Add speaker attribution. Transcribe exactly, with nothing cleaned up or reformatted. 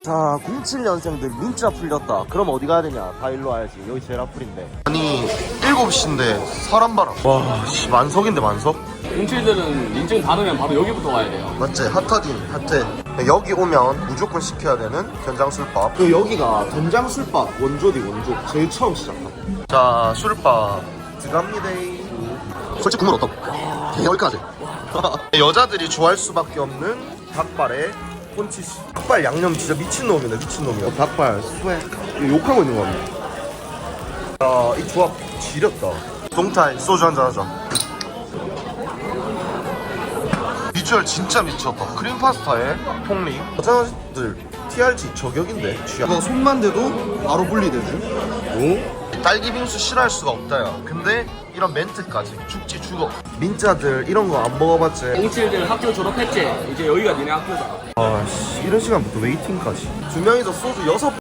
Speaker 1: 자, 공칠 년생들 민자 풀렸다. 그럼 어디 가야 되냐? 다 일로 와야지. 여기 제일 앞풀인데. 아니, 일곱 시인데 사람 봐라. 와, 씨, 만석인데 만석?
Speaker 2: 공칠들은 인증 받으면 바로 여기부터 와야 돼요.
Speaker 1: 맞지? 핫하딘, 핫해. 여기 오면 무조건 시켜야 되는 된장술밥. 그리고 여기가 된장술밥 원조디 원조. 제일 처음 시작한. 자, 술밥 들어갑니다. 솔직히 국물 어떤? 개열까지. 여자들이 좋아할 수밖에 없는 닭발에 폰치스. 닭발 양념 진짜 미친놈이네, 미친놈이야. 어, 닭발 스웩. 이거 욕하고 있는 거 같네. 야, 이 조합 지렸다. 동탈 소주 한잔 하자. 비주얼 진짜 미쳤다. 크림 파스타에 폭리. 여자들 티알지 저격인데. 취향. 이거 손만 대도 바로 분리되지. 오? 딸기 빙수 싫어할 수가 없다 야. 근데 이런 멘트까지 죽지 죽어. 민자들 이런 거 안 먹어봤지?
Speaker 2: 공칠들 학교 졸업했지? 이제 여기가 니네 학교다.
Speaker 1: 아씨, 이런 시간부터 웨이팅까지. 두 명이서 소주 여섯